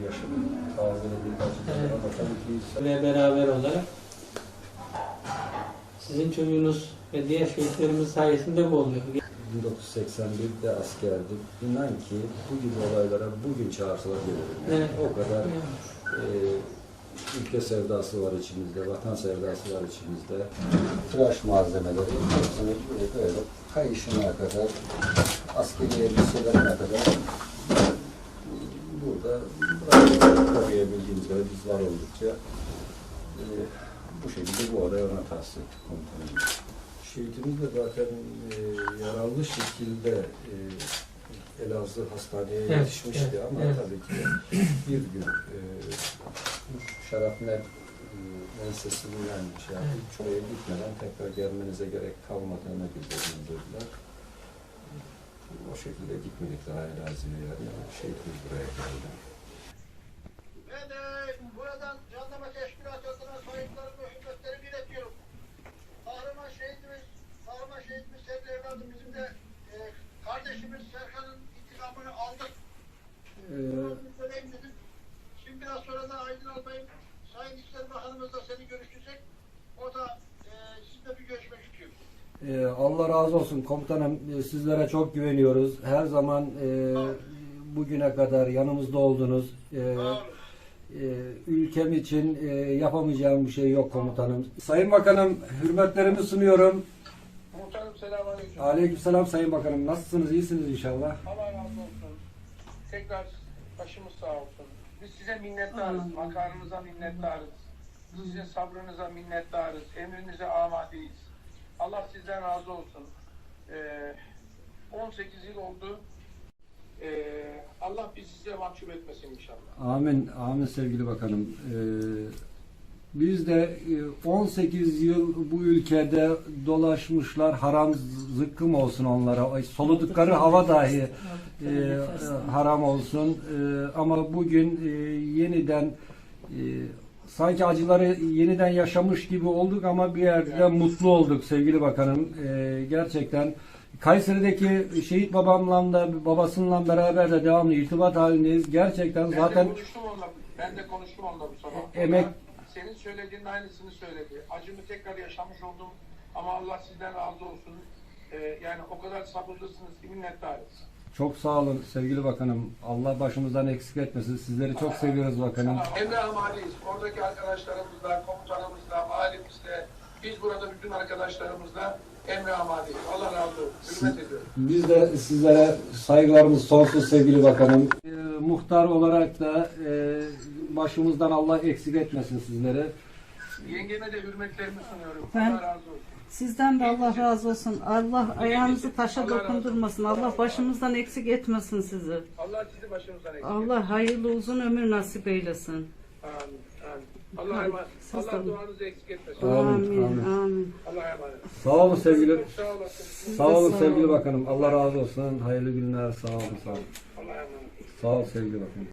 yaşının tarzını birkaç Evet. ama tabii ki Ve beraber olarak sizin çocuğunuz ve diğer şehitlerimiz sayesinde bu oluyor. 1981'de askerdim. İnan ki bu gibi olaylara bugün çağırsalar gelirim. Evet. O kadar ülke sevdası var içimizde, vatan sevdası var içimizde. Tıraş malzemeleri hepsini böyle kayışına kadar, askeri elbiselerine kadar burada koruyabildiğimiz kadar biz var oldukça bu şekilde bu olaya ona tahsis ettik komutanım. Şehitimiz de zaten yararlı şekilde Elazığ Hastaneye yetişmişti ama tabii ki bir gün şarapnel ensesinden şey yapıp şuraya gitmeden tekrar gelmenize gerek kalmadığını bildirdiler. O şekilde gitmedik daha Elazığ'a yani. Şehitimiz buraya geldi. Ve de buradan Jandarma Teşkilatı adına sayıklarımı ve hürmetlerimi iletiyorum. Kahraman şehitimiz sevgili evladım bizim de kardeşimiz Serkan'ın intikamını aldık. Bunu söyleyeyim dedim. Şimdi biraz sonra da Aydın Albay'ın Sayın İçişleri Bakanımızla seni görüşecek. O da sizinle bir görüşmek istiyor. Allah razı olsun komutanım. Sizlere çok güveniyoruz. Her zaman bugüne kadar yanımızda oldunuz. Ülkem için yapamayacağım bir şey yok komutanım. Sayın Bakanım, hürmetlerimi sunuyorum. Muhtarım selamünaleyküm. Aleykümselam Sayın Bakanım. Nasılsınız? İyisiniz inşallah. Allah razı olsun. Tekrar başımız sağ olsun. Biz size minnettarız. Makarınıza minnettarız. Sizin sabrınıza minnettarız. Emrinize amadeyiz. Allah sizden razı olsun. 18 yıl oldu. Allah bizi size mahcup etmesin inşallah. Amin. Amin sevgili bakanım. Biz de 18 yıl bu ülkede dolaşmışlar, haram zıkkım olsun onlara, soludukları hava dahi haram olsun. Ama bugün yeniden sanki acıları yeniden yaşamış gibi olduk ama bir yerde mutlu olduk sevgili bakanım. Gerçekten Kayseri'deki şehit babamla da babasıyla beraber de devamlı irtibat halindeyiz. Gerçekten zaten Ben de konuştum onunla bu sabah. emek Senin söylediğin aynısını söyledi. Acımı tekrar yaşamış oldum ama Allah sizden razı olsun. Yani o kadar sabırlısınız ki minnettarız. çok sağ olun sevgili bakanım. Allah başımızdan eksik etmesin. Sizleri çok seviyoruz bakanım. Emre Amali'yiz. Oradaki arkadaşlarımızla, komutanımızla, mahallemizle, biz burada bütün arkadaşlarımızla Emre Amali'yiz. Allah razı olsun. Hürmet ediyorum. Biz de sizlere saygılarımız sonsuz sevgili bakanım. Muhtar olarak da başımızdan Allah eksik etmesin sizleri. Yengeme de hürmetlerimi sunuyorum. Ben- Allah razı olsun. Sizden de Allah razı olsun. Allah ayağınızı taşa Allah razı olsun. dokundurmasın. Allah başımızdan eksik etmesin sizi. Allah sizi başınızdan eksik. Allah hayırlı uzun ömür nasip eylesin. Amin. Amin. Allah'a emanet. Siz de- Allah duanızı eksik etmesin. Amin, Amin. amin. Amin. Allah'a emanet. Sağ olun sevgili. Çok sağ olasın. Sağ olun sağ sevgili olun. bakanım. Allah razı olsun. Hayırlı günler. Sağ olun. Sağ olun. Allah'a emanet. Sağ ol sevgili bakanım.